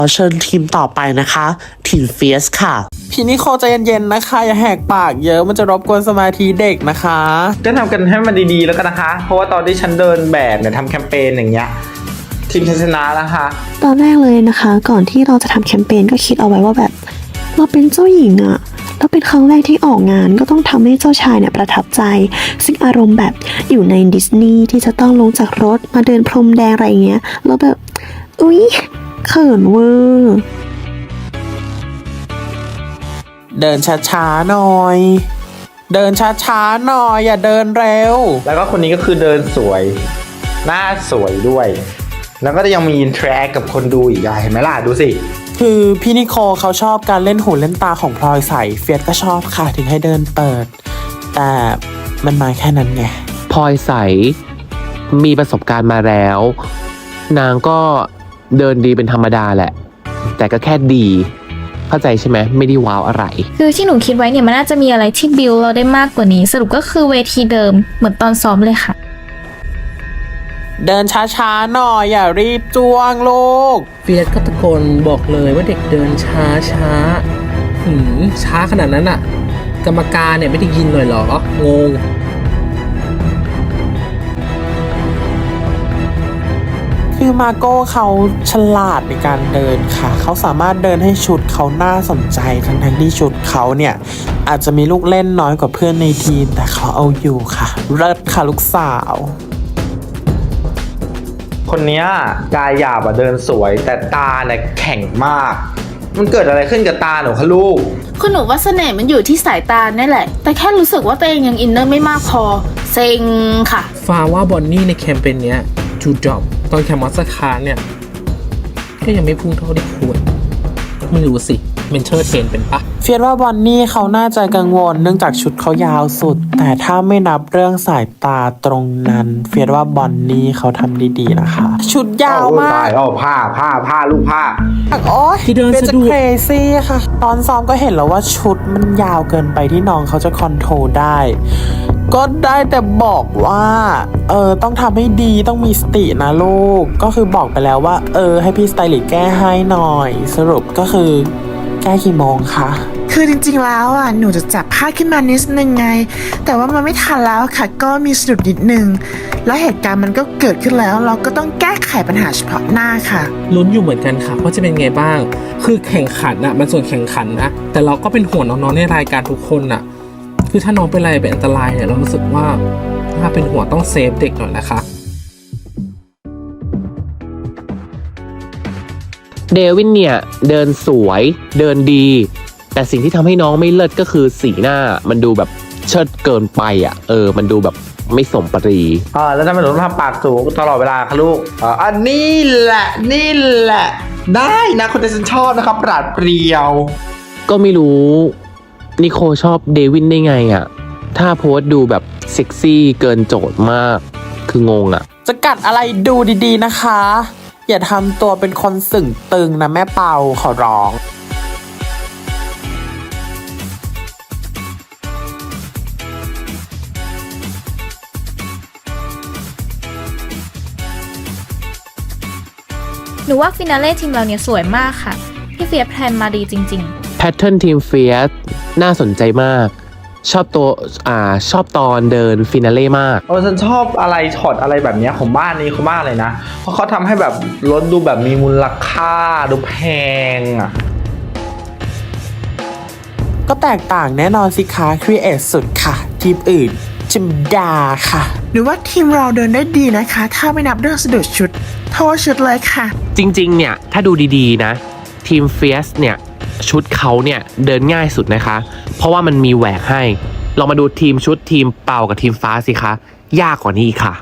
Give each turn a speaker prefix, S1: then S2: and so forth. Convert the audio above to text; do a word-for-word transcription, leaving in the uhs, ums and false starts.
S1: เชิญทีมต่อไปนะคะทีมเฟียสค่ะพี่นิโคใจเย็นๆนะคะอย่าแหกปากเยอะมันจะรบกวนสมาธิเด็กนะคะ
S2: ก็ทำกันให้มันดีๆแล้วกันนะคะเพราะว่าตอนที่ฉันเดินแบบเนี่ยทำแคมเปญอย่างเงี้ยทีมชนะแล้วค่ะ
S3: ตอนแรกเลยนะคะก่อนที่เราจะทำแคมเปญก็คิดเอาไว้ว่าแบบเราเป็นเจ้าหญิงอะแล้วเป็นครั้งแรกที่ออกงานก็ต้องทำให้เจ้าชายเนี่ยประทับใจซึ่งอารมณ์แบบอยู่ในดิสนีย์ที่จะต้องลงจากรถมาเดินพรมแดงอะไรเงี้ยแล้วแบบอุ๊ยเขินเวอร์
S1: เดินช้าๆหน่อยเดินช้าๆหน่อยอย่าเดินเร็ว
S2: แล้วก็คนนี้ก็คือเดินสวยหน้าสวยด้วยแล้วก็ยังมีอินเทอร์แอคกับคนดูอีกเห็นไหมล่ะดูสิ
S1: คือพี่นิโคเขาชอบการเล่นหูเล่นตาของพลอยใสเฟียสก็ชอบค่ะถึงให้เดินเปิดแต่มันมาแค่นั้นไง
S4: พลอยใสมีประสบการณ์มาแล้วนางก็เดินดีเป็นธรรมดาแหละแต่ก็แค่ดีเข้าใจใช่ไหมไม่ได้ว้าวอะไร
S5: คือที่หนูคิดไว้เนี่ยมันน่าจะมีอะไรที่บิวเราได้มากกว่านี้สรุปก็คือเวทีเดิมเหมือนตอนซ้อมเลยค่ะ
S1: เดินช้าๆหน่อยอย่ารีบจ้วงลูก
S6: เฟียสก็ตะโกนบอกเลยว่าเด็กเดินช้าช้าหืมช้าขนาดนั้นอ่ะกรรมการเนี่ยไม่ได้ยินหน่อยหรองง
S1: คือมาโก้เขาฉลาดในการเดินค่ะเขาสามารถเดินให้ชุดเขาน่าสนใจทั้งๆที่ชุดเขาเนี่ยอาจจะมีลูกเล่นน้อยกว่าเพื่อนในทีมแต่เขาเอาอยู่ค่ะเลิศค่ะลูกสาว
S2: คนนี้กายหยาบอะเดินสวยแต่ตาเนี่ยแข็งมากมันเกิดอะไรขึ้นกับตาหนูคะลูก
S7: คุณหนูว่าเสน่ห์มันอยู่ที่สายตานี่แหละแต่แค่รู้สึกว่าตัวเองยังอินเนอร์ไม่มากพอเซ็งค่ะ
S6: ฟาว่าบอนนี่ในแคมเปญเนี้ยจูดอบตอนแคมมัสคาร์เนี่ยก็ยังไม่พุ่งเท่าที่ควรไม่รู้สิเมนเทอร์เทนเป็นปะ
S1: เฟียสว่าบอนนี่เขาน่าจะกังวลเนื่องจากชุดเขายาวสุดแต่ถ้าไม่นับเรื่องสายตาตรงนั้นเฟียสว่าบอนนี่เขาทำดีๆนะคะชุดยาวมาก
S2: โอ้ผ้าผ้าผ้าลูกผ้า
S1: โอ้ยที่เดินสะดุดเครซี่ค่ะตอนซ้อมก็เห็นแล้วว่าชุดมันยาวเกินไปที่น้องเขาจะคอนโทรลได้ก็ได้แต่บอกว่าเออต้องทำให้ดีต้องมีสตินะลูกก็คือบอกไปแล้วว่าเออให้พี่สไตลิสต์แก้ให้หน่อยสรุปก็คือแก้กี่โมงคะ
S8: คือจริงๆแล้วอ่ะหนูจะจับผ้าขึ้นมานิดนึงไงแต่ว่ามันไม่ทันแล้วค่ะก็มีสะดุดนิดนึงแล้วเหตุการณ์มันก็เกิดขึ้นแล้วเราก็ต้องแก้ไขปัญหาเฉพาะหน้าค่ะ
S6: ลุ้นอยู่เหมือนกันค่ะว่าจะเป็นไงบ้างคือแข่งขันนะมันส่วนแข่งขันนะแต่เราก็เป็นห่วงน้องๆในรายการทุกคนน่ะคือถ้าน้องเป็นอะไรเป็นอันตรายเนี่ยเรารู้สึกว่าถ้าเป็นห่วงต้องเซฟเด็กหน่อยนะคะ
S4: เดวินเนี่ยเดินสวยเดินดีแต่สิ่งที่ทำให้น้องไม่เลิศก็คือสีหน้ามันดูแบบเชิดเกินไปอ่ะเออมันดูแบบไม่สมปรี
S2: อ่าแล้วทำไมหนูต้องทำปากสูงตลอดเวลาคะลูกอ่าอันนี้แหละนี่แหละได้นะคนที่ฉันชอบนะครับปราดเปรียว
S4: ก็ไม่รู้นิโคชอบเดวินได้ไงอ่ะถ้าโพสดูแบบเซ็กซี่เกินโจทย์มากคืองงอ่ะ
S1: จะกัดอะไรดูดีๆนะคะอย่าทำตัวเป็นคนสึ่งตึงนะแม่เปาขอร้อง
S5: หนูว่าฟินาเล่ทีมเราเนี่ยสวยมากค่ะพี่เฟียสแพลนมาดีจริงๆ
S4: แพทเทิร์นทีมเฟียสน่าสนใจมากชอบตัวอ่าชอบตอนเดินฟินาเล่มาก
S2: เออฉันชอบอะไรช็อตอะไรแบบนี้ของบ้านนี้เขามากเลยนะเพราะเขาทำให้แบบรถดูแบบมีมูลค่าดูแพงอ่ะ
S1: ก็แตกต่างแน่นอนสิคะครีเอทสุดค่ะทีมอื่นจิมดาค่ะ
S8: หรือว่าทีมเราเดินได้ดีนะคะถ้าไม่นับเรื่องสะดุดชุดโทษชุดเลยค่ะ
S4: จริงๆเนี่ยถ้าดูดีๆนะทีมเฟียสเนี่ยชุดเขาเนี่ยเดินง่ายสุดนะคะเพราะว่ามันมีแหวกให้ลองมาดูทีมชุดทีมเป่ากับทีมฟ้าสิคะยากกว่านี้ค่ะ